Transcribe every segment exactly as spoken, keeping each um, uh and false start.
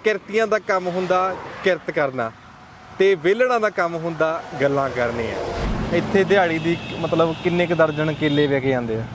ਕਿਰਤੀਆਂ ਦਾ ਕੰਮ ਹੁੰਦਾ ਕਿਰਤ ਕਰਨਾ ਤੇ ਵਿਹਲੜਾਂ ਦਾ ਕੰਮ ਹੁੰਦਾ ਗੱਲਾਂ ਕਰਨੀਆਂ। ਇੱਥੇ ਦਿਹਾੜੀ ਦੀ ਮਤਲਬ ਕਿੰਨੇ ਕੁ ਦਰਜਨ ਕੇਲੇ ਵਿਕ ਜਾਂਦੇ ਆ?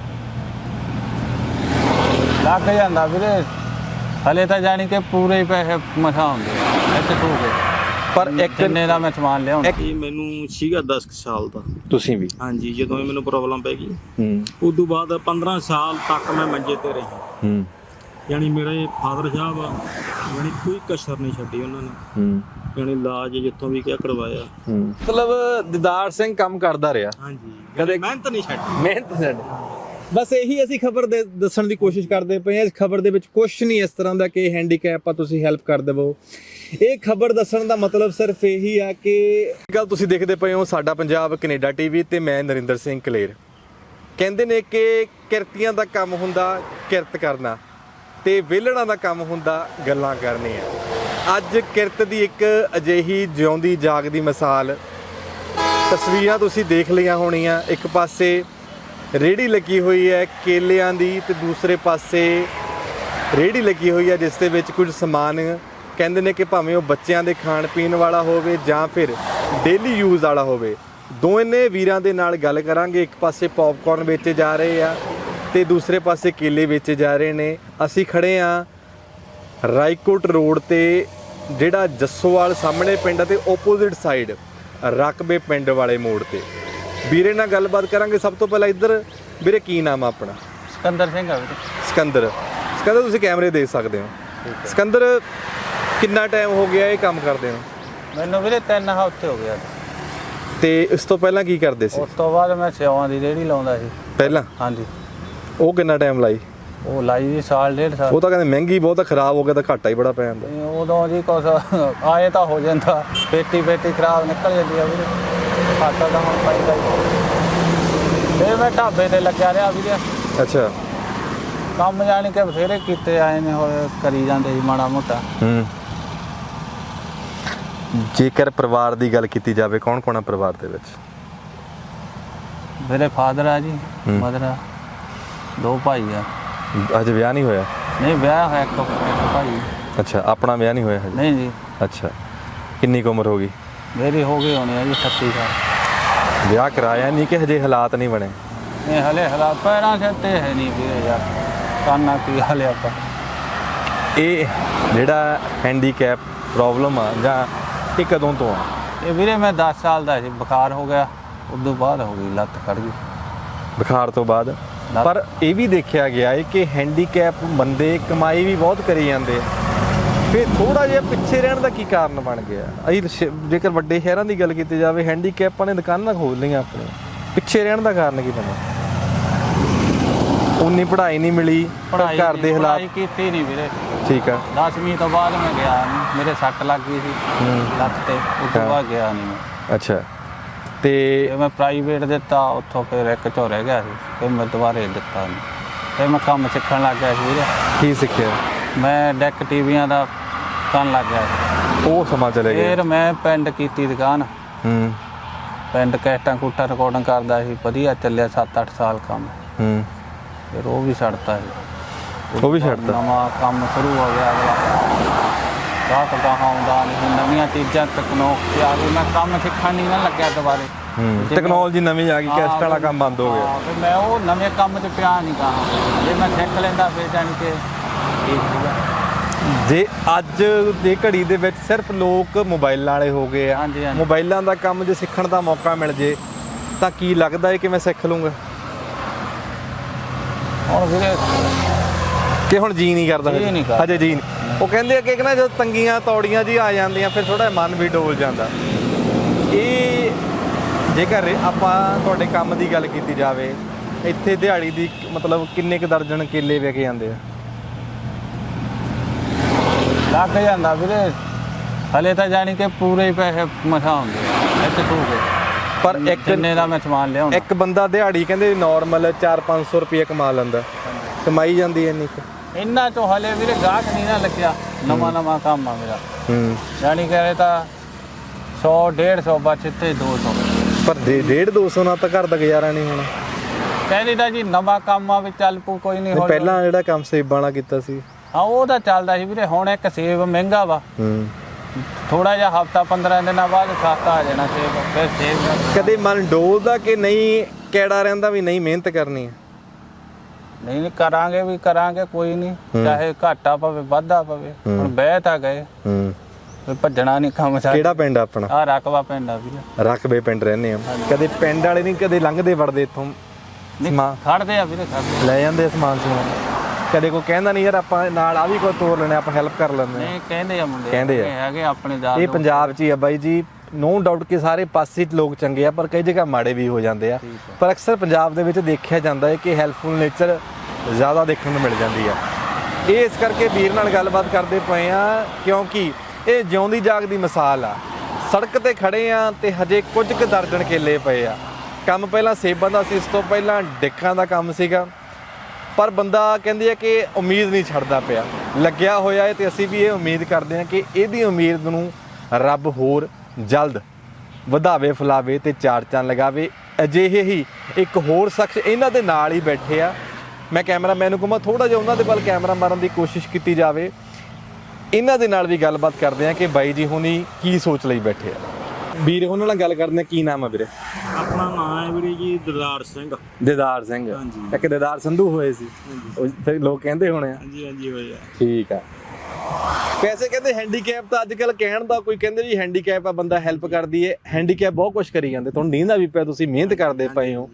ਲੱਗ ਜਾਂਦਾ ਵੀਰੇ, ਹਲੇ ਤਾਂ ਜਾਣੀ ਕਿ ਪੂਰੇ ਹੀ ਪੈਸੇ ਮਸਾ ਹੁੰਦੇ ਆ ਇੱਥੇ ਤੋਂ ਕੇ। ਪਰ ਇੱਕ ਕਿੰਨੇ ਦਾ ਮੈਂ ਸਮਾਨ ਲਿਆਉਣਾ? ਇਹ ਮੈਨੂੰ ਸੀਗਾ ਦਸ ਸਾਲ ਦਾ। ਤੁਸੀਂ ਵੀ? ਹਾਂਜੀ, ਜਦੋਂ ਇਹ ਮੈਨੂੰ ਪ੍ਰੋਬਲਮ ਪੈ ਗਈ ਹੂੰ ਉਦੋਂ ਬਾਅਦ ਪੰਦਰਾਂ ਸਾਲ ਤੱਕ ਮੈਂ ਮੰਜੇ ਤੇ ਰਿਹਾ। ਹੂੰ ਯਾਨੀ ਮੇਰੇ ਫਾਦਰ ਸਾਹਿਬ ਯਾਨੀ ਕੋਈ ਕਸਰ ਨਹੀਂ ਛੱਡੀ ਉਹਨਾਂ ਨੇ। ਹੂੰ ਯਾਨੀ ਇਲਾਜ ਜਿੱਥੋਂ ਵੀ ਕਿਹਾ ਕਰਵਾਇਆ। ਹੂੰ ਮਤਲਬ ਦਿਦਾਰ ਸਿੰਘ ਕੰਮ ਕਰਦਾ ਰਿਹਾ, ਹਾਂਜੀ, ਕਦੇ ਮਿਹਨਤ ਨਹੀਂ ਛੱਡੀ। ਮਿਹਨਤ ਛੱਡ। ਬਸ ਇਹੀ ਅਸੀਂ ਖਬਰ ਦੇ ਦੱਸਣ ਦੀ ਕੋਸ਼ਿਸ਼ ਕਰਦੇ ਪਏ ਹਾਂ। ਇਸ ਖਬਰ ਦੇ ਵਿੱਚ ਕੁਝ ਨਹੀਂ ਇਸ ਤਰ੍ਹਾਂ ਦਾ ਕਿ ਹੈਂਡੀਕੈਪ ਆ ਤੁਸੀਂ ਹੈਲਪ ਕਰ ਦੇਵੋ। ਇਹ ਖਬਰ ਦੱਸਣ ਦਾ ਮਤਲਬ ਸਿਰਫ ਇਹੀ ਆ ਕਿ ਗੱਲ ਤੁਸੀਂ ਦੇਖਦੇ ਪਏ ਹੋ ਸਾਡਾ ਪੰਜਾਬ ਕੈਨੇਡਾ ਟੀਵੀ ਤੇ ਮੈਂ ਨਰਿੰਦਰ ਸਿੰਘ ਕਲੇਰ। ਕਹਿੰਦੇ ਨੇ ਕਿ ਕਿਰਤੀਆਂ ਦਾ ਕੰਮ ਹੁੰਦਾ ਕਿਰਤ ਕਰਨਾ ਤੇ ਵਿਹਲੜਾਂ ਦਾ ਕੰਮ ਹੁੰਦਾ ਗੱਲਾਂ ਕਰਨੀਆਂ। ਅੱਜ ਕਿਰਤ ਦੀ ਇੱਕ ਅਜਿਹੀ ਜਿਉਂਦੀ ਜਾਗਦੀ ਮਿਸਾਲ ਤਸਵੀਰਾਂ ਤੁਸੀਂ ਦੇਖ ਲਈਆਂ ਹੋਣੀਆਂ। ਇੱਕ ਪਾਸੇ ਰੇਹੜੀ ਲੱਗੀ ਹੋਈ ਹੈ ਕੇਲਿਆਂ ਦੀ ਤੇ ਦੂਸਰੇ ਪਾਸੇ ਰੇਹੜੀ ਲੱਗੀ ਹੋਈ ਹੈ ਜਿਸ ਦੇ ਵਿੱਚ ਕੁਝ ਸਮਾਨ ਕਹਿੰਦੇ ਨੇ ਕਿ ਭਾਵੇਂ ਉਹ ਬੱਚਿਆਂ ਦੇ ਖਾਣ ਪੀਣ ਵਾਲਾ ਹੋਵੇ ਜਾਂ ਫਿਰ ਡੇਲੀ ਯੂਜ਼ ਵਾਲਾ ਹੋਵੇ। ਦੋਨੇ ਵੀਰਾਂ ਦੇ ਨਾਲ ਗੱਲ ਕਰਾਂਗੇ। ਇੱਕ ਪਾਸੇ ਪੌਪਕਾਰਨ ਵੇਚੇ ਜਾ ਰਹੇ ਆ ਤੇ ਦੂਸਰੇ ਪਾਸੇ ਕੇਲੇ ਵੇਚੇ ਜਾ ਰਹੇ ਨੇ। ਅਸੀਂ ਖੜੇ ਆ ਰਾਏਕੋਟ ਰੋਡ ਤੇ, ਜਿਹੜਾ ਜੱਸੋਵਾਲ ਸਾਹਮਣੇ ਪਿੰਡ ਤੇ ਓਪੋਜ਼ਿਟ ਸਾਈਡ ਰਕਬੇ ਪਿੰਡ ਵਾਲੇ ਮੋੜ ਤੇ। ਵੀਰੇ ਨਾਲ ਗੱਲਬਾਤ ਕਰਾਂਗੇ। ਸਭ ਤੋਂ ਪਹਿਲਾਂ ਇੱਧਰ ਵੀਰੇ ਕੀ ਨਾਮ ਆ ਆਪਣਾ? ਸਿਕੰਦਰ ਸਿੰਘ ਆ ਵੀਰੇ। ਸਿਕੰਦਰ। ਸਿਕੰਦਰ ਤੁਸੀਂ ਕੈਮਰੇ ਦੇਖ ਸਕਦੇ ਹੋ। ਸਿਕੰਦਰ ਕਿੰਨਾ ਟਾਈਮ ਹੋ ਗਿਆ ਇਹ ਕੰਮ ਕਰਦੇ ਹੋ? ਮੈਨੂੰ ਵੀਰੇ ਤਿੰਨ ਹਫ਼ਤੇ ਹੋ ਗਿਆ। ਤੇ ਇਸ ਤੋਂ ਪਹਿਲਾਂ ਕੀ ਕਰਦੇ ਸੀ? ਉਸ ਤੋਂ ਬਾਅਦ ਮੈਂ ਸਿਉਆਂ ਦੀ ਰੇਹੜੀ ਲਾਉਂਦਾ ਸੀ ਪਹਿਲਾਂ? ਹਾਂਜੀ। ਉਹ ਕਿੰਨਾ ਟਾਈਮ ਲਾਈ? ਉਹ ਲਾਈ ਜੀ ਸਾਲ ਡੇਢ ਸਾਲ। ਉਹ ਤਾਂ ਕਹਿੰਦੇ ਮਹਿੰਗੀ ਬਹੁਤ ਆ, ਖਰਾਬ ਹੋ ਗਿਆ ਤਾਂ ਘਾਟਾ ਹੀ ਬੜਾ ਪੈ ਜਾਂਦਾ। ਤੇ ਉਦੋਂ ਜੀ ਕੁਛ ਆਏ ਤਾਂ ਹੋ ਜਾਂਦਾ, ਪੇਟੀ ਪੇਟੀ ਖਰਾਬ ਨਿਕਲ ਜਾਂਦੀ ਆ ਵੀਰੇ, ਘਾਟਾ ਤਾਂ ਹੁਣ ਪੈਂਦਾ ਹੀ। ਫਿਰ ਮੈਂ ਢਾਬੇ ਤੇ ਲੱਗਿਆ ਰਿਹਾ ਵੀਰੇ। ਅੱਛਾ। ਕੰਮ ਜਾਣੀ ਕਿ ਬਥੇਰੇ ਕੀਤੇ ਆਏ ਨੇ, ਹੋਏ ਕਰੀ ਜਾਂਦੇ ਸੀ ਮਾੜਾ ਮੋਟਾ। ਹੂੰ ਜੇਕਰ ਪਰਿਵਾਰ ਦੀ ਗੱਲ ਕੀਤੀ ਜਾਵੇ, ਕੌਣ ਕੌਣ ਆ ਪਰਿਵਾਰ ਦੇ ਵਿੱਚ? ਮੇਰੇ ਫਾਦਰ ਆ ਜੀ, ਮਦਰ ਆ, ਦੋ ਭਾਈ ਆ। ਅਜੇ ਵਿਆਹ ਨਹੀਂ ਹੋਇਆ? ਨਹੀਂ, ਵਿਆਹ ਹੋਇਆ ਇੱਕ ਇੱਕ ਭਾਈ। ਅੱਛਾ, ਆਪਣਾ ਵਿਆਹ ਨਹੀਂ ਹੋਇਆ ਹਜੇ? ਨਹੀਂ ਜੀ। ਅੱਛਾ, ਕਿੰਨੀ ਕੁ ਉਮਰ ਹੋ ਗਈ? ਮੇਰੀ ਹੋ ਗਈ ਹੋਣੀ ਆ ਜੀ ਅਠੱਤੀ ਸਾਲ। ਵਿਆਹ ਕਰਾਇਆ ਨਹੀਂ ਕਿ ਹਜੇ ਹਾਲਾਤ ਨਹੀਂ ਬਣੇ? ਇਹ ਹਲੇ ਹਾਲਾਤ ਪੈਰਾਂ ਸਿਰ ਤੇ ਹੈ ਨਹੀਂ ਵੀਰੇ ਯਾਰ, ਕਰਨਾ ਕੀ ਹਾਲੇ ਆਪਾਂ। ਇਹ ਜਿਹੜਾ ਹੈਂਡੀਕੈਪ ਪ੍ਰੋਬਲਮ ਆ ਜਾਂ ਇਹ ਕਦੋਂ ਤੋਂ ਆ? ਇਹ ਵੀਰੇ ਮੈਂ ਦਸ ਸਾਲ ਦਾ ਸੀ, ਬੁਖਾਰ ਹੋ ਗਿਆ, ਉਦੋਂ ਬਾਅਦ ਹੋ ਗਈ ਲੱਤ ਖੜ ਗਈ। ਬੁਖਾਰ ਤੋਂ ਬਾਅਦ? ਪਰ ਇਹ ਵੀ ਦੇਖਿਆ ਗਿਆ ਹੈ ਕਿ ਹੈਂਡੀਕੈਪ ਬੰਦੇ ਕਮਾਈ ਵੀ ਬਹੁਤ ਕਰੀ ਜਾਂਦੇ ਆ, ਫਿਰ ਥੋੜਾ ਜਿਹਾ ਪਿੱਛੇ ਰਹਿਣ ਦਾ ਕੀ ਕਾਰਨ ਬਣ ਗਿਆ? ਅਸੀਂ ਜੇਕਰ ਵੱਡੇ ਸ਼ਹਿਰਾਂ ਦੀ ਗੱਲ ਕੀਤੀ ਜਾਵੇ, ਹੈਂਡੀਕੈਪਾਂ ਨੇ ਦੁਕਾਨਾਂ ਖੋਲ੍ਹ ਲਈਆਂ ਆਪਣੀਆਂ, ਪਿੱਛੇ ਰਹਿਣ ਦਾ ਕਾਰਨ ਕੀ ਬਣਿਆ? ਉਨੀ ਪੜ੍ਹਾਈ ਨਹੀਂ ਮਿਲੀ, ਘਰ ਦੇ ਹਾਲਾਤ? ਪੜ੍ਹਾਈ ਕੀਤੀ ਨਹੀਂ ਵੀਰੇ। ਠੀਕ ਆ। ਦਸਵੀਂ ਤੋਂ ਬਾਅਦ ਮੈਂ ਗਿਆ ਨਹੀਂ, ਮੇਰੇ ਸੱਟ ਲੱਗ ਗਈ ਸੀ ਲੱਤ ਤੇ, ਉਸ ਤੋਂ ਬਾਅਦ ਗਿਆ ਨਹੀਂ ਮੈਂ। ਅੱਛਾ। ਤੇ ਮੈਂ ਪ੍ਰਾਈਵੇਟ ਦਿੱਤਾ, ਉੱਥੋਂ ਫਿਰ ਇੱਕ ਝੋ ਰਹਿ ਗਿਆ ਸੀ, ਫਿਰ ਮੈਂ ਦੁਬਾਰੇ ਦਿੱਤਾ ਨਹੀਂ। ਫਿਰ ਮੈਂ ਕੰਮ ਸਿੱਖਣ ਲੱਗ ਗਿਆ ਸੀ ਵੀਰੇ। ਕੀ ਸਿੱਖਿਆ? ਮੈਂ ਡੈਕ ਟੀਵੀਆਂ ਦਾ ਕਰਨ ਲੱਗ ਗਿਆ ਸੀ। ਉਹ ਸਮਾਂ ਚਲੇ ਗਿਆ? ਫਿਰ ਮੈਂ ਪਿੰਡ ਕੀਤੀ ਦੁਕਾਨ। ਹੂੰ ਪਿੰਡ ਕੈਸਟਾਂ ਕੂਟਾਂ ਰਿਕਾਰਡਿੰਗ ਕਰਦਾ ਸੀ, ਵਧੀਆ ਚੱਲਿਆ ਸੱਤ ਅੱਠ ਸਾਲ ਕੰਮ। ਹੂੰ ਫਿਰ ਉਹ ਵੀ ਛੱਡਤਾ ਸੀ। ਉਹ ਵੀ ਛੱਡਤਾ? ਨਵਾਂ ਕੰਮ ਸ਼ੁਰੂ ਹੋ ਗਿਆ ਅਗਲਾ, ਗਾਹਕ ਗਾਹਾਂ ਆਉਂਦਾ ਨਹੀਂ, ਨਵੀਆਂ ਚੀਜ਼ਾਂ ਤਕਨੀਕ ਆ ਗਈ, ਮੈਂ ਕੰਮ ਸਿੱਖਣ ਨਹੀਂ ਨਾ ਲੱਗਿਆ ਦੁਬਾਰੇ। ਹੂੰ ਟੈਕਨੋਲੋਜੀ ਨਵੀਂ ਆ ਗਈ, ਕੈਸਟ ਵਾਲਾ ਕੰਮ ਬੰਦ ਹੋ ਗਿਆ। ਫਿਰ ਮੈਂ ਉਹ ਨਵੇਂ ਕੰਮ 'ਚ ਪਿਆ ਨਹੀਂ ਗਾ, ਜੇ ਮੈਂ ਸਿੱਖ ਲੈਂਦਾ ਫਿਰ ਜਾਣੀ ਕਿ ਠੀਕ ਸੀਗਾ। ਜੇ ਅੱਜ ਦੇ ਘੜੀ ਦੇ ਵਿੱਚ ਸਿਰਫ ਲੋਕ ਮੋਬਾਈਲਾਂ ਵਾਲੇ ਹੋ ਗਏ ਆ, ਹਾਂਜੀ ਹਾਂਜੀ, ਮੋਬਾਈਲਾਂ ਦਾ ਕੰਮ ਜੇ ਸਿੱਖਣ ਦਾ ਮੌਕਾ ਮਿਲ ਜੇ ਤਾਂ ਕੀ ਲੱਗਦਾ ਹੈ ਕਿ ਮੈਂ ਸਿੱਖ ਲੂੰਗਾ? ਹੁਣ ਵੀਰੇ ਕਿ ਹੁਣ ਜੀ ਨਹੀਂ ਕਰਦਾ? ਜੀ ਨਹੀਂ ਕਰਦਾ ਹਜੇ ਜੀ ਨਹੀਂ। ਉਹ ਕਹਿੰਦੇ ਆ ਕਿ ਨਾ ਜਦੋਂ ਤੰਗੀਆਂ ਤੌੜੀਆਂ ਜੀ ਆ ਜਾਂਦੀਆਂ ਫਿਰ ਥੋੜਾ ਮਨ ਵੀ ਡੋਲ ਜਾਂਦਾ। ਇਹ ਜੇਕਰ ਆਪਾਂ ਤੁਹਾਡੇ ਕੰਮ ਦੀ ਗੱਲ ਕੀਤੀ ਜਾਵੇ, ਇੱਥੇ ਦਿਹਾੜੀ ਦੀ ਮਤਲਬ ਕਿੰਨੇ ਕੁ ਦਰਜਨ ਕੇਲੇ ਵਿਕ ਜਾਂਦੇ ਆ? ਲੱਗ ਜਾਂਦਾ ਵੀਰੇ, ਹਲੇ ਤਾਂ ਜਾਣੀ ਕਿ ਪੂਰੇ ਹੀ ਪੈਸੇ ਮਸਾ ਹੁੰਦੇ ਆ ਇੱਥੇ ਤੋਂ ਕੇ। ਪਰ ਇੱਕ ਕਿੰਨੇ ਦਾ ਮੈਂ ਸਮਾਨ ਲਿਆਉਣਾ? ਇੱਕ ਬੰਦਾ ਦਿਹਾੜੀ ਕਹਿੰਦੇ ਨਾਰਮਲ ਚਾਰ ਪੰਜ ਸੌ ਰੁਪਏ ਕਮਾ ਲੈਂਦਾ, ਕਮਾਈ ਜਾਂਦੀ ਐ ਇੰਨੀ ਕੁ? ਇੰਨਾ ਚੋਂ ਹਲੇ ਵੀਰੇ ਗਾਹਕ ਨਹੀਂ ਨਾ ਲੱਗਿਆ, ਨਵਾਂ ਨਵਾਂ ਕੰਮ ਆ ਮੇਰਾ। ਹੂੰ ਜਾਣੀ ਕਿ ਤਾਂ ਸੌ ਡੇਢ ਸੌ ਬਚ ਇੱਥੇ ਦੋ ਸੌ। ਪਰ ਡੇਢ ਦੋ ਸੌ ਨਾਲ ਤਾਂ ਘਰ ਦਾ ਗੁਜ਼ਾਰਾ ਨਹੀਂ ਹੋਣਾ। ਕਹਿੰਦੀ ਤਾਂ ਜੀ ਨਵਾਂ ਕੰਮ ਆ ਵੀ ਚੱਲ ਪੂ ਕੋਈ ਨਹੀਂ। ਪਹਿਲਾਂ ਜਿਹੜਾ ਕੰਮ ਸੇਬਾਂ ਵਾਲਾ ਕੀਤਾ ਸੀ? ਹਾਂ ਉਹ ਤਾਂ ਚੱਲਦਾ ਸੀ ਵੀਰੇ। ਹੁਣ ਇੱਕ ਸੇਬ ਮਹਿੰਗਾ ਵਾ, ਹੂੰ ਥੋੜਾ ਜਿਹਾ ਹਫਤਾ ਪੰਦਰਾਂ ਦਿਨਾਂ ਬਾਅਦ ਸਸਤਾ ਆ ਜਾਣਾ ਸੇਬ। ਫਿਰ ਸੇਬ ਕਦੇ ਮਨ ਡੋਲਦਾ ਕਿ ਨਹੀਂ ਕਿਹੜਾ ਰਹਿੰਦਾ ਵੀ ਨਹੀਂ ਮਿਹਨਤ ਕਰਨੀ ਹੈ? ਨਹੀਂ ਨਹੀਂ ਕਰਾਂਗੇ ਵੀ ਕਰਾਂਗੇ, ਕੋਈ ਨਹੀਂ, ਚਾਹੇ ਘਾਟਾ ਪਵੇ ਵਾਧਾ ਪਵੇ। ਹੁਣ ਬਹਿ ਤਾਂ ਗਏ, ਹੂੰ ਵੀ ਭੱਜਣਾ ਨਹੀਂ ਕੰਮ ਸਾਡਾ। ਕਿਹੜਾ ਪਿੰਡ ਆਪਣਾ? ਆ ਰਕਬਾ ਪਿੰਡ ਆ ਵੀਰੇ। ਰਕਬੇ ਪਿੰਡ ਰਹਿੰਦੇ ਆ। ਕਦੇ ਪਿੰਡ ਵਾਲੇ ਨਹੀਂ ਕਦੇ ਲੰਘਦੇ ਵੜਦੇ ਇੱਥੋਂ ਸਮਾਨ ਖੜਦੇ ਆ ਵੀਰੇ, ਖੜਦੇ। ਲੈ ਜਾਂਦੇ ਆ ਸਮਾਨ ਸਮੂਨ? ਕਦੇ ਕੋਈ ਕਹਿੰਦਾ ਨਹੀਂ ਯਾਰ ਆਪਾਂ ਨਾਲ ਆ ਵੀ ਕੋਈ ਤੋਰ ਲੈਣੇ, ਆਪਾਂ ਹੈਲਪ ਕਰ ਲੈਂਦੇ ਨਹੀਂ ਕਹਿੰਦੇ ਆ ਮੁੰਡੇ, ਕਹਿੰਦੇ ਆ। ਹੈਗੇ ਆਪਣੇ ਦਾਦ। ਇਹ ਪੰਜਾਬ 'ਚ ਹੀ ਆ ਬਾਈ ਜੀ, ਨੋ ਡਾਊਟ ਕਿ ਸਾਰੇ ਪਾਸੇ 'ਚ ਲੋਕ ਚੰਗੇ ਆ, ਪਰ ਕਈ ਜਗ੍ਹਾ ਮਾੜੇ ਵੀ ਹੋ ਜਾਂਦੇ ਆ। ਪਰ ਅਕਸਰ ਪੰਜਾਬ ਦੇ ਵਿੱਚ ਦੇਖਿਆ ਜਾਂਦਾ ਹੈ ਕਿ ਹੈਲਪਫੁਲ ਨੇਚਰ ਜ਼ਿਆਦਾ ਦੇਖਣ ਨੂੰ ਮਿਲ ਜਾਂਦੀ ਆ। ਇਹ ਇਸ ਕਰਕੇ ਵੀਰ ਨਾਲ ਗੱਲਬਾਤ ਕਰਦੇ ਪਏ ਆ ਕਿਉਂਕਿ ਇਹ ਜਿਉਂਦੀ ਜਾਗਦੀ ਮਿਸਾਲ ਆ। ਸੜਕ ਤੇ ਖੜੇ ਆ ਤੇ ਹਜੇ ਕੁਝ ਕੁ ਦਰਜਨ ਕੇਲੇ ਪਏ ਆ। ਕੰਮ ਪਹਿਲਾਂ ਸੇਬਾਂ ਦਾ ਸੀ, ਇਸ ਤੋਂ ਪਹਿਲਾਂ ਡਿੱਕਾਂ ਦਾ ਕੰਮ ਸੀਗਾ, ਪਰ ਬੰਦਾ ਕਹਿੰਦੇ ਆ ਕਿ ਉਮੀਦ ਨਹੀਂ ਛੱਡਦਾ ਪਿਆ, ਲੱਗਿਆ ਹੋਇਆ ਹੈ। ਤੇ ਅਸੀਂ ਵੀ ਇਹ ਉਮੀਦ ਕਰਦੇ ਹਾਂ ਕਿ ਇਹਦੀ ਉਮੀਦ ਨੂੰ ਰੱਬ ਹੋਰ ਜਲਦ ਵਧਾਵੇ, ਫੁਲਾਵੇ ਤੇ ਚਾਰ ਚੰਨ ਲਗਾਵੇ। ਅਜਿਹੇ ਹੀ ਇੱਕ ਹੋਰ ਸ਼ਖਸ ਇਹਨਾਂ ਦੇ ਨਾਲ ਹੀ ਬੈਠੇ ਆ। ਮੈਂ ਕੈਮਰਾਮੈਨ ਨੂੰ ਕਹਾਂ ਥੋੜਾ ਜਿਹਾ ਉਹਨਾਂ ਦੇ ਵੱਲ ਕੈਮਰਾ ਮਾਰਨ ਦੀ ਕੋਸ਼ਿਸ਼ ਕੀਤੀ ਜਾਵੇ। ਇਹਨਾਂ ਦੇ ਨਾਲ ਵੀ ਗੱਲਬਾਤ ਕਰਦੇ ਆ ਕਿ ਬਾਈ ਜੀ ਹੁਣੀ ਕੀ ਸੋਚ ਲਈ ਬੈਠੇ ਆ। ਵੀਰ ਉਹਨਾਂ ਨਾਲ ਗੱਲ ਕਰਦੇ ਆ। ਕੀ ਨਾਮ ਆ ਵੀਰੇ? ਆਪਣਾ ਨਾਮ ਹੈ ਵੀਰੇ ਜੀ ਦਿਦਾਰ ਸਿੰਘ। ਦਿਦਾਰ ਸਿੰਘ। ਇੱਕ ਦਿਦਾਰ ਸੰਧੂ ਹੋਏ ਸੀ, ਉਹ ਫਿਰ ਲੋਕ ਕਹਿੰਦੇ ਹੋਣੇ ਆ। ਹਾਂਜੀ ਹਾਂਜੀ ਹੋਏ ਆ। ਠੀਕ ਆ। ਵੈਸੇ ਕਹਿੰਦੇ ਹੈਂਡੀਕੈਪ ਤਾਂ ਅੱਜ ਕੱਲ ਕਹਿਣ ਦਾ ਕੋਈ ਕਹਿੰਦੇ ਵੀ ਹੈਂਡੀਕੈਪ ਆ, ਬੰਦਾ ਹੈਲਪ ਕਰਦੀ ਏ। ਹੈਂਡੀਕੈਪ ਬਹੁਤ ਕੁਝ ਕਰੀ ਜਾਂਦੇ, ਤੁਹਾਨੂੰ ਨੀਂਦ ਆ ਵੀ ਪਿਆ, ਤੁਸੀਂ ਮਿਹਨਤ ਕਰਦੇ ਪਏ ਹੋ।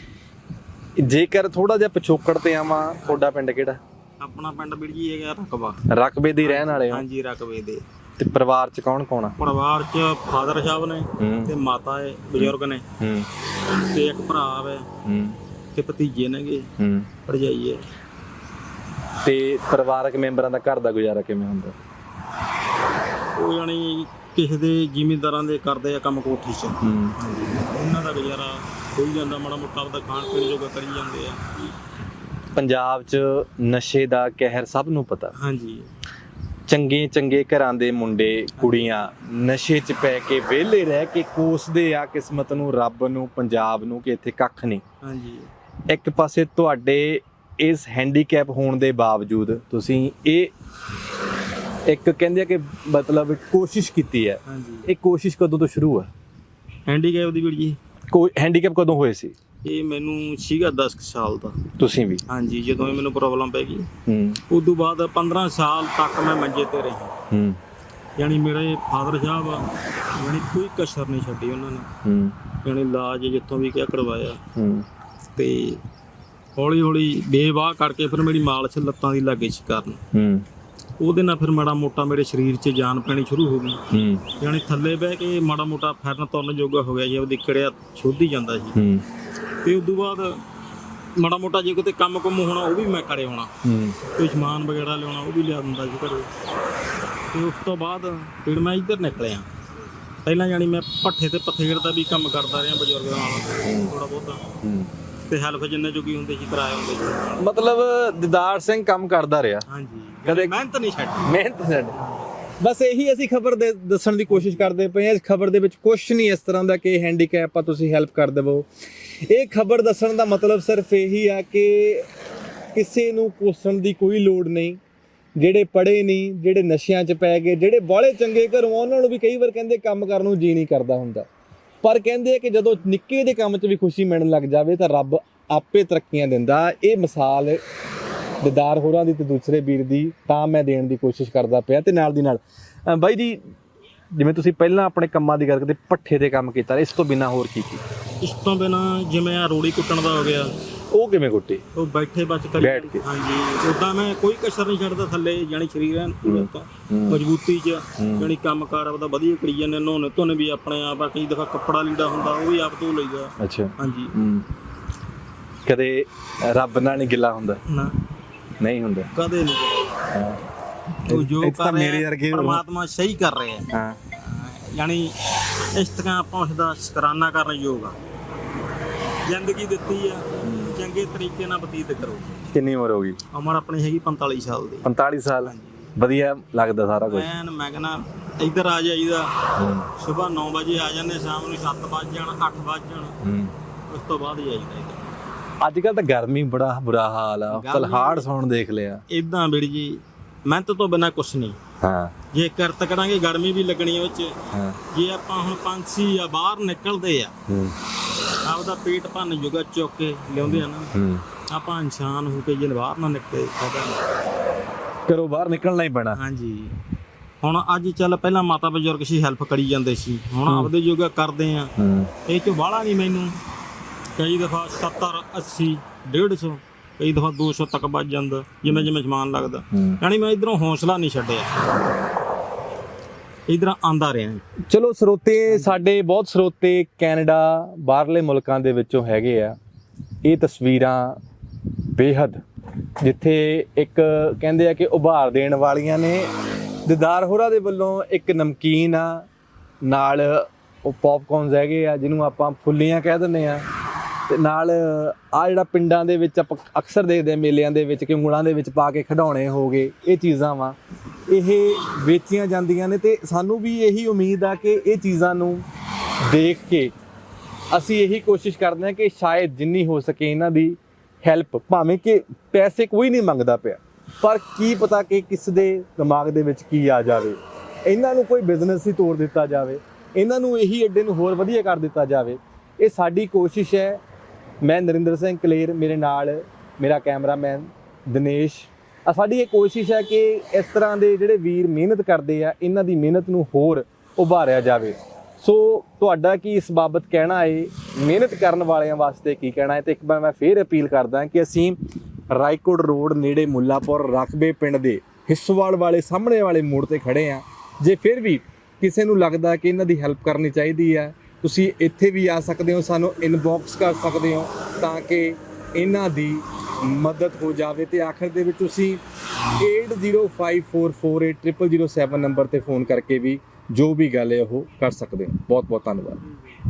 ਜੇਕਰ ਥੋੜਾ ਜਿਹਾ ਪਿਛੋਕੜ ਤੇ ਆਵਾਂ, ਤੁਹਾਡਾ ਪਿੰਡ ਕਿਹੜਾ? ਆਪਣਾ ਪਿੰਡ ਵੀਰ ਜੀ ਹੈਗਾ ਰਕਬਾ। ਰਕਬੇ ਦੇ ਰਹਿਣ ਵਾਲੇ ਹੋ? ਹਾਂਜੀ ਰਕਬੇ ਦੇ। ਤੇ ਪਰਿਵਾਰ ਚ ਕੌਣ ਕੌਣ ਆ? ਪਰਿਵਾਰ ਚ ਫਾਦਰ ਸਾਹਿਬ ਨੇ ਤੇ ਮਾਤਾ ਹੈ, ਬਜ਼ੁਰਗ ਨੇ, ਹੂੰ ਤੇ ਇੱਕ ਭਰਾ ਹੈ, ਹੂੰ ਤੇ ਭਤੀਜੇ ਨੇਗੇ, ਹੂੰ ਭਰਜਾਈ ਹੈ। ਤੇ ਪਰਿਵਾਰਕ ਮੈਂਬਰਾਂ ਦਾ ਘਰ ਦਾ ਗੁਜ਼ਾਰਾ ਕਿਵੇਂ ਹੁੰਦਾ? ਉਹ ਯਾਨੀ ਕਿਸੇ ਦੇ ਜ਼ਿਮੀਂਦਾਰਾਂ ਦੇ ਕਰਦੇ ਆ ਕੰਮ ਕੋਠੀ 'ਚ, ਹੂੰ ਉਹਨਾਂ ਦਾ ਗੁਜ਼ਾਰਾ ਹੋਈ ਜਾਂਦਾ, ਮਾੜਾ ਮੋਟਾ ਆਪਦਾ ਖਾਣ ਪੀਣ ਜੋਗਾ ਕਰੀ ਜਾਂਦੇ ਆ। ਪੰਜਾਬ 'ਚ ਨਸ਼ੇ ਦਾ ਕਹਿਰ ਸਭ ਨੂੰ ਪਤਾ। ਹਾਂਜੀ। ਚੰਗੇ ਚੰਗੇ ਘਰਾਂ ਦੇ ਮੁੰਡੇ ਕੁੜੀਆਂ ਨਸ਼ੇ 'ਚ ਪੈ ਕੇ ਵਿਹਲੇ ਰਹਿ ਕੇ ਕੋਸਦੇ ਆ ਕਿਸਮਤ ਨੂੰ, ਰੱਬ ਨੂੰ, ਪੰਜਾਬ ਨੂੰ ਕਿ ਇੱਥੇ ਕੱਖ ਨਹੀਂ। ਹਾਂਜੀ। ਇੱਕ ਪਾਸੇ ਤੁਹਾਡੇ ਇਸ ਹੈਂਡੀਕੈਪ ਹੋਣ ਦੇ ਬਾਵਜੂਦ ਤੁਸੀਂ ਇਹ ਇੱਕ ਕਹਿੰਦੇ ਆ ਕਿ ਮਤਲਬ ਕੋਸ਼ਿਸ਼ ਕੀਤੀ ਹੈ। ਹਾਂਜੀ। ਇਹ ਕੋਸ਼ਿਸ਼ ਕਦੋਂ ਤੋਂ ਸ਼ੁਰੂ ਆ? ਹੈਂਡੀਕੈਪ ਦੀ ਵੀਰ ਜੀ? ਕੋਈ ਹੈਂਡੀਕੈਪ ਕਦੋਂ ਹੋਏ ਸੀ? ਇਹ ਮੈਨੂੰ ਸੀਗਾ ਦਸ ਸਾਲ ਦਾ। ਤੁਸੀਂ ਵੀ? ਹਾਂਜੀ। ਜਦੋਂ ਇਹ ਮੈਨੂੰ ਪ੍ਰੋਬਲਮ ਪੈ ਗਈ, ਹੂੰ, ਉਦੋਂ ਬਾਅਦ ਪੰਦਰਾਂ ਸਾਲ ਤੱਕ ਮੈਂ ਮੰਜੇ ਤੇ ਰਿਹਾ। ਹੂੰ, ਯਾਨੀ ਮੇਰੇ ਫਾਦਰ ਸਾਹਿਬ ਯਾਨੀ ਕੋਈ ਕਸਰ ਨਹੀਂ ਛੱਡੀ ਉਹਨਾਂ ਨੇ। ਹੂੰ, ਯਾਨੀ ਇਲਾਜ ਜਿੱਥੋਂ ਵੀ ਕਿਹਾ ਕਰਵਾਇਆ, ਹੂੰ, ਤੇ ਹੌਲੀ ਹੌਲੀ ਬੇਵਾਹ ਕਰਕੇ ਫਿਰ ਮੇਰੀ ਮਾਲਸ਼ ਲੱਤਾਂ ਦੀ ਲੱਗੇ ਸੀ ਕਰਨ। ਹੂੰ, ਉਹਦੇ ਨਾਲ ਫਿਰ ਮਾੜਾ ਮੋਟਾ ਮੇਰੇ ਸਰੀਰ 'ਚ ਜਾਨ ਪੈਣੀ ਸ਼ੁਰੂ ਹੋ ਗਈ। ਹੂੰ, ਯਾਨੀ ਥੱਲੇ ਬਹਿ ਕੇ ਮਾੜਾ ਮੋਟਾ ਫਿਰਨ ਤੁਰਨ ਜੋਗਾ ਹੋ ਗਿਆ ਜੀ, ਉਹਦੀ ਕਿੜਿਆ ਛੁੱਧ ਹੀ ਜਾਂਦਾ ਸੀ। ਹੂੰ, ਤੇ ਉਦੋਂ ਬਾਅਦ ਮਾੜਾ ਮੋਟਾ ਜੇ ਕਿਤੇ ਕੰਮ ਕੁੰਮ ਹੋਣਾ ਉਹ ਵੀ ਮੈਂ ਕਰੇ ਹੋਣਾ, ਹੂੰ, ਕੋਈ ਸਮਾਨ ਵਗੈਰਾ ਲਿਆਉਣਾ ਉਹ ਵੀ ਲਿਆ ਦਿੰਦਾ ਸੀ ਘਰੇ। ਤੇ ਉਸ ਤੋਂ ਬਾਅਦ ਫਿਰ ਮੈਂ ਇੱਧਰ ਨਿਕਲਿਆ। ਪਹਿਲਾਂ ਯਾਨੀ ਮੈਂ ਭੱਠੇ ਤੇ ਪਥੇੜ ਦਾ ਵੀ ਕੰਮ ਕਰਦਾ ਰਿਹਾ ਬਜ਼ੁਰਗਾਂ ਨਾਲ ਥੋੜਾ ਬਹੁਤਾ, ਹੂੰ, ਤੇ ਹੈਲਪ ਜਿੰਨੇ ਜੋਗੀ ਹੁੰਦੇ ਸੀ ਕਰਾਏ ਹੁੰਦੇ ਸੀ। ਮਤਲਬ ਦਿਦਾਰ ਸਿੰਘ ਕੰਮ ਕਰਦਾ ਰਿਹਾ? ਹਾਂਜੀ। ਕਦੇ ਮਿਹਨਤ ਨਹੀਂ ਛੱਡੀ। ਮਿਹਨਤ ਛੱਡ। ਬਸ ਇਹੀ ਅਸੀਂ ਖਬਰ ਦੇ ਦੱਸਣ ਦੀ ਕੋਸ਼ਿਸ਼ ਕਰਦੇ ਪਏ ਹਾਂ। ਇਸ ਖਬਰ ਦੇ ਵਿੱਚ ਕੁਝ ਨਹੀਂ ਇਸ ਤਰ੍ਹਾਂ ਦਾ ਕਿ ਹੈਂਡੀਕੈਪ ਆ ਤੁਸੀਂ ਹੈਲਪ ਕਰ ਦੇਵੋ। ਇਹ ਖਬਰ ਦੱਸਣ ਦਾ ਮਤਲਬ ਸਿਰਫ ਇਹੀ ਆ ਕਿ ਕਿਸੇ ਨੂੰ ਕੋਸਣ ਦੀ ਕੋਈ ਲੋੜ ਨਹੀਂ। ਜਿਹੜੇ ਪੜ੍ਹੇ ਨਹੀਂ, ਜਿਹੜੇ ਨਸ਼ਿਆਂ 'ਚ ਪੈ ਗਏ, ਜਿਹੜੇ ਬਾਹਲੇ ਚੰਗੇ ਘਰੋਂ ਉਹਨਾਂ ਨੂੰ ਵੀ ਕਈ ਵਾਰ ਕਹਿੰਦੇ ਕੰਮ ਕਰਨ ਨੂੰ ਜੀ ਨਹੀਂ ਕਰਦਾ ਹੁੰਦਾ, ਪਰ ਕਹਿੰਦੇ ਕਿ ਜਦੋਂ ਨਿੱਕੇ ਦੇ ਕੰਮ 'ਚ ਵੀ ਖੁਸ਼ੀ ਮਿਲਣ ਲੱਗ ਜਾਵੇ ਤਾਂ ਰੱਬ ਆਪੇ ਤਰੱਕੀਆਂ ਦਿੰਦਾ। ਇਹ ਮਿਸਾਲ ਦਿਦਾਰ ਹੋਰਾਂ ਦੀ ਤੇ ਦੂਸਰੇ ਵੀਰ ਦੀ ਤਾਂ ਮੈਂ ਦੇਣ ਦੀ ਕੋਸ਼ਿਸ਼ ਕਰਦਾ ਪਿਆ। ਤੇ ਨਾਲ ਦੀ ਨਾਲ ਬਾਈ ਜੀ, ਜਿਵੇਂ ਤੁਸੀਂ ਪਹਿਲਾਂ ਆਪਣੇ ਕੰਮਾਂ ਦੀ ਗੱਲ ਕਰਦੇ, ਭੱਠੇ ਦੇ ਕੰਮ ਕੀਤਾ, ਇਸ ਤੋਂ ਬਿਨਾਂ ਹੋਰ ਕੀ ਕੀ? ਇਸ ਤੋਂ ਬਿਨਾਂ ਜਿਵੇਂ ਆ ਰੋੜੀ ਕੁੱਟਣ ਦਾ ਹੋ ਗਿਆ, ਉਹ ਕਿਵੇਂ ਕੁੱਟੀ? ਉਹ ਬੈਠੇ ਬਚ ਕਰੀ। ਬੈਠ ਕੇ? ਹਾਂਜੀ। ਉਦਾਂ ਮੈਂ ਕੋਈ ਕਸਰ ਨਹੀਂ ਛੱਡਦਾ ਥੱਲੇ, ਜਾਣੀ ਸਰੀਰ ਐਨ ਪੂਰਾ ਤਾਂ ਮਜ਼ਬੂਤੀ 'ਚ, ਜਾਣੀ ਕੰਮ ਕਾਰ ਆਪਦਾ ਵਧੀਆ ਕਰੀ ਜਾਂਦੇ। ਨਹਾਉਣੇ ਧੋਣੇ ਵੀ ਆਪਣੇ ਆਪ ਆ, ਕਈ ਦਫਾ ਕੱਪੜਾ ਲੀੜਾ ਹੁੰਦਾ ਉਹ ਵੀ ਆਪ ਧੋ ਲਈਦਾ। ਅੱਛਾ। ਹਾਂਜੀ। ਕਦੇ ਰੱਬ ਨਾਲ ਨਹੀਂ ਗਿੱਲਾ ਹੁੰਦਾ? ਨਾ, ਨਹੀਂ ਹੁੰਦਾ ਕਦੇ ਨਹੀਂ। ਉਹ ਜੋ ਕਰ ਰਿਹਾ ਪਰਮਾਤਮਾ ਸਹੀ ਕਰ ਰਿਹਾ। ਹਾਂ। ਯਾਨੀ ਇਸ ਤਰ੍ਹਾਂ ਆਪਾਂ ਉਸਦਾ ਸ਼ੁਕਰਾਨਾ ਕਰਨ ਯੋਗ ਆ। ਜ਼ਿੰਦਗੀ ਦਿੱਤੀ ਆ, ਚੰਗੇ ਤਰੀਕੇ ਨਾਲ ਬਤੀਤ ਕਰੋ। ਕਿੰਨੀ ਉਮਰ ਹੋ ਗਈ? ਉਮਰ ਆਪਣੀ ਹੈਗੀ ਪੰਤਾਲੀ ਸਾਲ ਦੀ। ਪੰਤਾਲੀ ਸਾਲ? ਵਧੀਆ ਲੱਗਦਾ ਸਾਰਾ ਕੁਝ? ਐਨ ਮੈਂ ਕਹਿੰਦਾ ਇੱਧਰ ਆ ਜਾਈਦਾ, ਸਵੇਰ ਨੌ ਵਜੇ ਆ ਜਾਂਦੇ, ਸ਼ਾਮ ਨੂੰ ਸੱਤ ਵੱਜ ਜਾਣ, ਅੱਠ ਵੱਜ ਜਾਣ, ਉਸ ਤੋਂ ਬਾਅਦ ਹੀ ਆਈਦਾ ਇੱਧਰ। ਅੱਜ ਕੱਲ ਤਾਂ ਗਰਮੀ ਬੜਾ ਬੁਰਾ ਹਾਲ ਆ, ਤਲਹਾੜ ਸੌਣ ਦੇਖ ਲਿਆ। ਇਦਾਂ ਵੀਰ ਜੀ ਮਿਹਨਤ ਤੋਂ ਬਿਨਾਂ ਕੁਛ ਨਹੀਂ। ਹਾਂ ਜੇ ਕਿਰਤ ਕਰਾਂਗੇ ਗਰਮੀ ਵੀ ਲੱਗਣੀ ਉਹ 'ਚ। ਹਾਂ ਜੇ ਆਪਾਂ ਹੁਣ ਪੰਛੀ ਆ ਬਾਹਰ ਨਿਕਲਦੇ ਆ ਹੂੰ ਆਪਦਾ ਪੇਟ ਭੰਨ ਜੁਗਾ ਚੁੱਕ ਕੇ ਲਿਆਉਂਦੇ ਆ ਨਾ, ਹੂੰ ਆਪਾਂ ਇਨਸਾਨ ਹੋ ਕੇ ਜੇ ਬਾਹਰ ਨਾ ਨਿਕਲੇ ਫਾਇਦਾ ਨਹੀਂ। ਘਰੋਂ ਬਾਹਰ ਨਿਕਲਣਾ ਹੀ ਪੈਣਾ। ਹਾਂਜੀ ਹੁਣ ਅੱਜ ਚੱਲ ਪਹਿਲਾਂ ਮਾਤਾ ਬਜ਼ੁਰਗ ਸੀ ਹੈਲਪ ਕਰੀ ਜਾਂਦੇ ਸੀ, ਹੁਣ ਆਪਦੇ ਜੋਗਾ ਕਰਦੇ ਆ। ਹੂੰ ਇਹ ਚ ਬਾਹਲਾ ਨਹੀਂ ਮੈਨੂੰ ਕਈ ਦਫਾ ਸੱਤਰ ਅੱਸੀ ਡੇਢ ਸੌ ਕਈ ਦਫਾ ਦੋ ਸੌ ਤੱਕ ਵੱਜ ਜਾਂਦਾ ਜਿਵੇਂ ਜਿਵੇਂ ਸਮਾਨ ਲੱਗਦਾ। ਯਾਨੀ ਮੈਂ ਇਧਰੋਂ ਹੌਸਲਾ ਨਹੀਂ ਛੱਡਿਆ, ਇਧਰ ਆਂਦਾ ਰਿਹਾ। ਚਲੋ ਸਰੋਤੇ ਸਾਡੇ ਬਹੁਤ ਸਰੋਤੇ ਕੈਨੇਡਾ ਬਾਹਰਲੇ ਮੁਲਕਾਂ ਦੇ ਵਿੱਚੋਂ ਹੈਗੇ ਆ। ਇਹ ਤਸਵੀਰਾਂ ਬੇਹੱਦ ਜਿੱਥੇ ਇੱਕ ਕਹਿੰਦੇ ਆ ਕਿ ਉਭਾਰ ਦੇਣ ਵਾਲੀਆਂ ਨੇ। ਦਿਦਾਰ ਹੋਰਾਂ ਦੇ ਵੱਲੋਂ ਇੱਕ ਨਮਕੀਨ ਆ, ਨਾਲ ਉਹ ਪੌਪਕੌਰਨਸ ਹੈਗੇ ਆ ਜਿਹਨੂੰ ਆਪਾਂ ਫੁੱਲੀਆਂ ਕਹਿ ਦਿੰਦੇ ਆ, ਤੇ ਨਾਲ ਆ ਜਿਹੜਾ ਪਿੰਡਾਂ ਦੇ ਵਿੱਚ ਆਪਾਂ ਅਕਸਰ ਦੇਖਦੇ ਆ ਮੇਲਿਆਂ ਦੇ ਵਿੱਚ ਕਿ ਉਂਗਲਾਂ ਦੇ ਵਿੱਚ ਪਾ ਕੇ ਖਿਡੌਣੇ ਹੋ ਗਏ, ਇਹ ਚੀਜ਼ਾਂ ਵਾ ਇਹ ਵੇਚੀਆਂ ਜਾਂਦੀਆਂ ਨੇ। ਤੇ ਸਾਨੂੰ ਵੀ ਇਹੀ ਉਮੀਦ ਆ ਕਿ ਇਹ ਚੀਜ਼ਾਂ ਨੂੰ ਦੇਖ ਕੇ ਅਸੀਂ ਇਹੀ ਕੋਸ਼ਿਸ਼ ਕਰਦੇ ਹਾਂ ਕਿ ਸ਼ਾਇਦ ਜਿੰਨੀ ਹੋ ਸਕੇ ਇਹਨਾਂ ਦੀ ਹੈਲਪ, ਭਾਵੇਂ ਕਿ ਪੈਸੇ ਕੋਈ ਨਹੀਂ ਮੰਗਦਾ ਪਿਆ, ਪਰ ਕੀ ਪਤਾ ਕਿ ਕਿਸ ਦੇ ਦਿਮਾਗ ਦੇ ਵਿੱਚ ਕੀ ਆ ਜਾਵੇ, ਇਹਨਾਂ ਨੂੰ ਕੋਈ ਬਿਜ਼ਨਸ ਹੀ ਤੋੜ ਦਿੱਤਾ ਜਾਵੇ, ਇਹਨਾਂ ਨੂੰ ਇਹੀ ਅੱਡੇ ਨੂੰ ਹੋਰ ਵਧੀਆ ਕਰ ਦਿੱਤਾ ਜਾਵੇ। ਇਹ ਸਾਡੀ ਕੋਸ਼ਿਸ਼ ਹੈ। ਮੈਂ ਨਰਿੰਦਰ ਸਿੰਘ ਕਲੇਰ, ਮੇਰੇ ਨਾਲ ਮੇਰਾ ਕੈਮਰਾਮੈਨ ਦਿਨੇਸ਼। ਆ ਸਾਡੀ ਇਹ ਕੋਸ਼ਿਸ਼ ਹੈ ਕਿ ਇਸ ਤਰ੍ਹਾਂ ਦੇ ਜਿਹੜੇ ਵੀਰ ਮਿਹਨਤ ਕਰਦੇ ਆ ਇਹਨਾਂ ਦੀ ਮਿਹਨਤ ਨੂੰ ਹੋਰ ਉਭਾਰਿਆ ਜਾਵੇ। ਸੋ ਤੁਹਾਡਾ ਕੀ ਇਸ ਬਾਬਤ ਕਹਿਣਾ ਹੈ, ਮਿਹਨਤ ਕਰਨ ਵਾਲਿਆਂ ਵਾਸਤੇ ਕੀ ਕਹਿਣਾ ਹੈ? ਤੇ ਇੱਕ ਵਾਰ ਮੈਂ ਫੇਰ ਅਪੀਲ ਕਰਦਾ ਕਿ ਅਸੀਂ ਰਾਏਕੋਟ ਰੋਡ ਨੇੜੇ ਮੁੱਲਾਪੁਰ ਰਕਬੇ ਪਿੰਡ ਦੇ ਹਿੱਸੋਵਾਲ ਵਾਲੇ ਸਾਹਮਣੇ ਵਾਲੇ ਮੋੜ ਤੇ ਖੜੇ ਆ। ਜੇ ਫਿਰ ਵੀ ਕਿਸੇ ਨੂੰ ਲੱਗਦਾ ਕਿ ਇਹਨਾਂ ਦੀ ਹੈਲਪ ਕਰਨੀ ਚਾਹੀਦੀ ਹੈ, ਤੁਸੀਂ ਇੱਥੇ ਵੀ ਆ ਸਕਦੇ ਹੋ, ਸਾਨੂੰ ਇਨਬਾਕਸ ਕਰ ਸਕਦੇ ਹੋ ਤਾਂ ਕਿ ਇਹਨਾਂ ਦੀ ਮਦਦ ਹੋ ਜਾਵੇ। ਤੇ ਆਖਰ ਦੇ ਵਿੱਚ ਤੁਸੀਂ eight zero five four four eight zero zero zero seven number ਤੇ ਫੋਨ ਕਰਕੇ ਵੀ ਜੋ ਵੀ ਗੱਲ ਹੈ ਉਹ ਕਰ ਸਕਦੇ ਹੋ। ਬਹੁਤ ਬਹੁਤ ਧੰਨਵਾਦ।